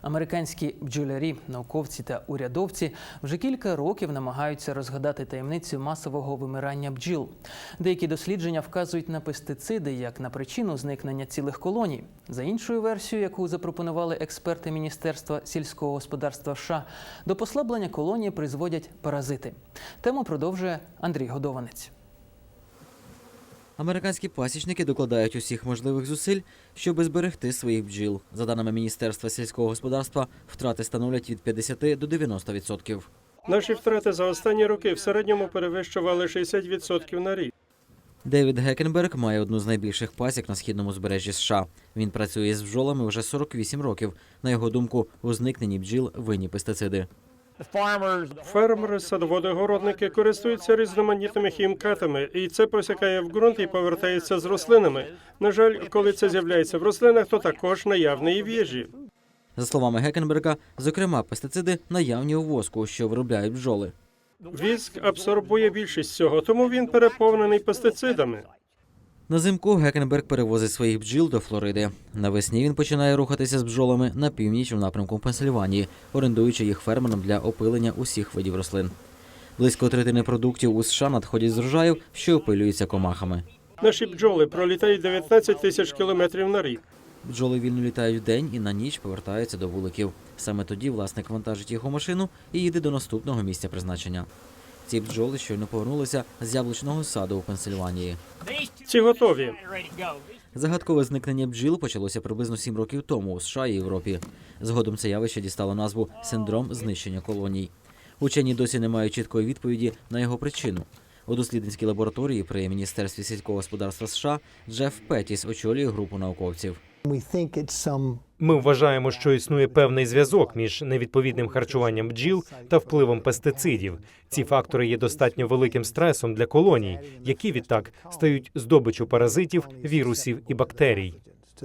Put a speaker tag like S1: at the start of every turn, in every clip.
S1: Американські бджолярі, науковці та урядовці вже кілька років намагаються розгадати таємницю масового вимирання бджіл. Деякі дослідження вказують на пестициди як на причину зникнення цілих колоній. За іншою версією, яку запропонували експерти Міністерства сільського господарства США, до послаблення колонії призводять паразити. Тему продовжує Андрій Годованець.
S2: Американські пасічники докладають усіх можливих зусиль, щоб зберегти своїх бджіл. За даними Міністерства сільського господарства, втрати становлять від 50 до 90%.
S3: Наші втрати за останні роки в середньому перевищували 60% на рік.
S2: Девід Геккенберг має одну з найбільших пасік на східному узбережжі США. Він працює з бджолами вже 48 років. На його думку, у зникненні бджіл винні пестициди.
S3: Фермери, садоводи-городники користуються різноманітними хімкатами, і це посякає в ґрунт і повертається з рослинами. На жаль, коли це з'являється в рослинах, то також наявне і в їжі.
S2: За словами Геккенберга, зокрема, пестициди наявні у воску, що виробляють бджоли.
S3: Віск абсорбує більшість цього, тому він переповнений пестицидами.
S2: Назимку Геккенберг перевозить своїх бджіл до Флориди. Навесні він починає рухатися з бджолами на північ у напрямку Пенсильванії, орендуючи їх фермерам для опилення усіх видів рослин. Близько третини продуктів у США надходять з врожаїв, що опилюються комахами.
S3: Наші бджоли пролітають 19 тисяч кілометрів на рік.
S2: Бджоли вільно літають вдень і на ніч повертаються до вуликів. Саме тоді власник вантажить їх у машину і їде до наступного місця призначення. Ці бджоли щойно повернулися з яблучного саду у Пенсильванії.
S3: Ці готові.
S2: Загадкове зникнення бджіл почалося приблизно 7 років тому у США і Європі. Згодом це явище дістало назву «синдром знищення колоній». Учені досі не мають чіткої відповіді на його причину. У дослідницькій лабораторії при Міністерстві сільського господарства США Джеф Петтіс очолює групу науковців.
S4: Ми вважаємо, що існує певний зв'язок між невідповідним харчуванням бджіл та впливом пестицидів. Ці фактори є достатньо великим стресом для колоній, які відтак стають здобиччю паразитів, вірусів і бактерій.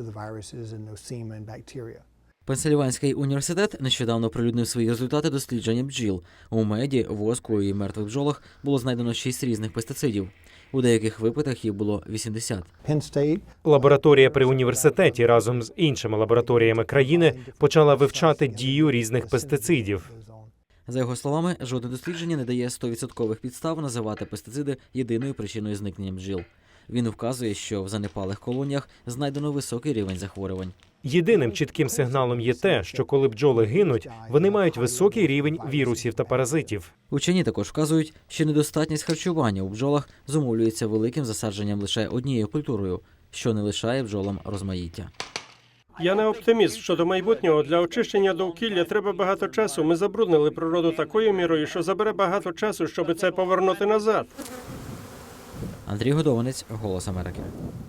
S2: Пенсильванський університет нещодавно оприлюднив свої результати дослідження бджіл. У меді, воску і мертвих бджолах було знайдено 6 різних пестицидів. У деяких випадках їх було 80.
S4: Лабораторія при університеті разом з іншими лабораторіями країни почала вивчати дію різних пестицидів.
S2: За його словами, жодне дослідження не дає 100% підстав називати пестициди єдиною причиною зникнення бджіл. Він вказує, що в занепалих колоніях знайдено високий рівень захворювань.
S4: Єдиним чітким сигналом є те, що коли бджоли гинуть, вони мають високий рівень вірусів та паразитів.
S2: Учені також вказують, що недостатність харчування у бджолах зумовлюється великим засадженням лише однією культурою, що не лишає бджолам розмаїття.
S3: Я не оптиміст щодо майбутнього. Для очищення довкілля треба багато часу. Ми забруднили природу такою мірою, що забере багато часу, щоб це повернути назад.
S2: Андрій Годованець, «Голос Америки».